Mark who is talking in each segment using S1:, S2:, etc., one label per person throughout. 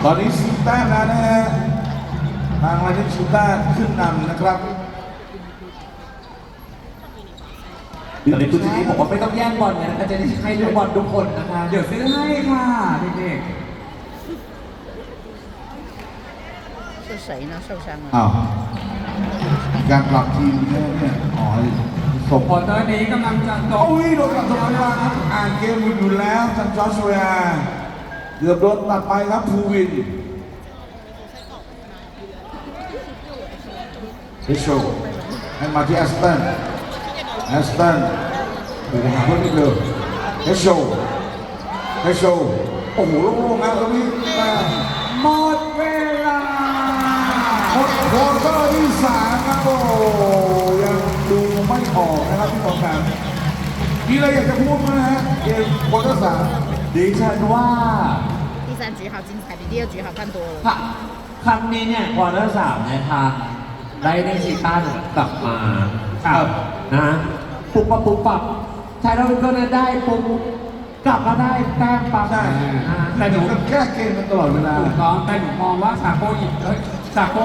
S1: ตอนนี้ซิต้านะฮะทางลานิชิต้าขึ้นนำนะครับ
S2: ตอนนี้คุณทีนี้บอกว่าไม่ต้องแย่งบอลนะจะได้ให้ลูกบอลทุกคนนะคะ
S3: เดี๋ยวซื้อให้ค่ะเด็ก
S4: 是谁呢？受伤了。
S1: อ้าวการปรับทีมเนี่ยอ๋อสม
S3: ๆพอตอนนี้กำลังจะจบ
S1: โอ้ยโดนตัดตัวมาครับอ่านเกมอยู่แล้วทางจอร์จเวียเกือบโดนตัดไปครับภูวินเฮโชให้มาที่แอสตันดูหาเพื่อนนิดเดียวเฮโชโอ้โหโล่งๆนะตรงนี้
S3: หมดเวลา
S1: หมดควอเตอร์ที่3ครับโอ้ยังดูไม่ออกนะครับพี่บอลครับมีอะไรอยากจะพูดไหมฮะเกมควอเตอร์3
S2: ดิฉันว่า
S4: 第三局好精彩，比第二局好看多了。
S2: ครั้งนี้เนี่ยควอเตอร์3เนี่ยทางไดเนชิต้ากลับมาครับนะปุ๊บปับไทยเราก็เนี่ยได้ปุ๊บกลับมาได้แต้มปั๊บ
S1: ใช่
S3: แต่หนู
S1: แก้เกมมันตลอดเวลา
S3: ถูกต้องแต่หนูมองว่าซาโก้อีกซาโก้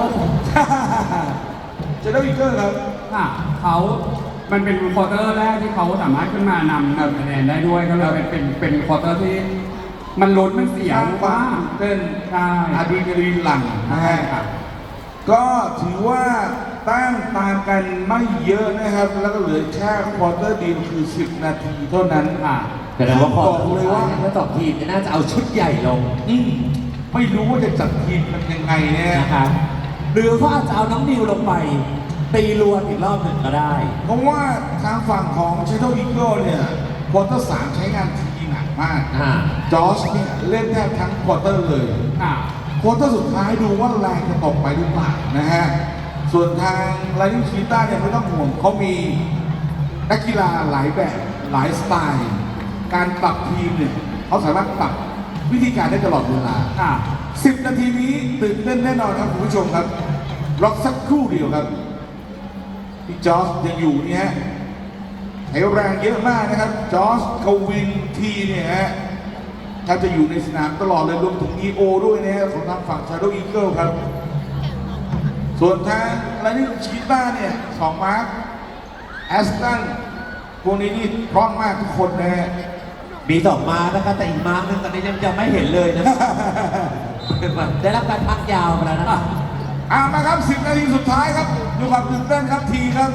S1: จะได้วิกเกอร์ครับ
S3: ค่ะเขามันเป็นควอเตอร์แรกที่เขาสามารถขึ้นมานำคะแนนได้ด้วยก็เลยเป็นควอเตอร์ที่มันลุ้นมันเสียงว่า
S1: เป็น
S3: ใช่
S1: อะดรีนาลีนหลั่งนะ
S3: ใช่
S1: ฮะ
S3: ครับ
S1: ก็ถือว่าแต้มตามกันไม่เยอะนะครับ แล้วก็เหลือแค่ควอเตอร์เดียวคือ 10 นาทีเท่านั้น
S3: ค่ะ
S2: แต่ว่าพอ
S1: บอกเลยว่า
S2: ทั้งสองทีมเนี่ยน่าจะเอาชุดใหญ่ลง
S1: ไม่รู้ว่าจะจัดทีมมันยังไงเนี่ย
S2: นะครับหรือเขาอาจจะเอาน้องนิวลงไปตีรวนอีกรอบหนึ่งก็ได้
S1: เพราะว่าทางฝั่งของเชโตอีเกิลเนี่ยควอเตอร์3ใช้งานทีหนักมาก จอร์จเนี่ยเล่นแทบทั้งควอเตอร์เลย
S3: ค่ะ
S1: ควอเตอร์สุดท้ายดูว่าแรงจะตกไปหรือเปล่านะฮะ ส่วนทางไลนิชีต้าเนี่ยไม่ต้องห่วงเขามีนักกีฬาหลายแบบหลายสไตล์ การปรับทีมเนี่ยเขาสามารถปรับวิธีการได้ตลอดเวลา
S3: ค่ะ
S1: 10 นาทีนี้ตื่นเต้นแน่นอนครับคุณผู้ชมครับรอสักครู่เดียวครับพี่จอร์จยังอยู่นี่ฮะใช้แรงเยอะมากนะครับจอร์จกวินทีเนี่ยฮะถ้าจะอยู่ในสนามตลอดเลยรวมถึง EO ด้วยนะฮะของทางฝั่ง Shadow Eagle ครับ ส่วนทางไลนิชีต้าเนี่ย2 มาร์คแอสตันพวกนี้นี่พร้อมมากทุกคนนะฮะ
S2: มี2 มาร์คนะครับแต่อีกมาร์คนึงตอนนี้ยังไม่เห็นเลยนะได้รับการพักยาวไปแล้วนะ
S1: มาครับ 10 นาทีสุดท้ายครับดูความตื่นเต้นครับทีครับ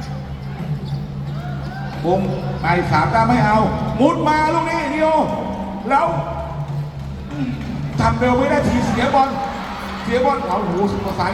S1: ผมไป3 ตามไม่เอา มุดมาลูกนี้นิโอแล้วทำเร็วไม่ได้ทีเสียบอลเอาหูประสาน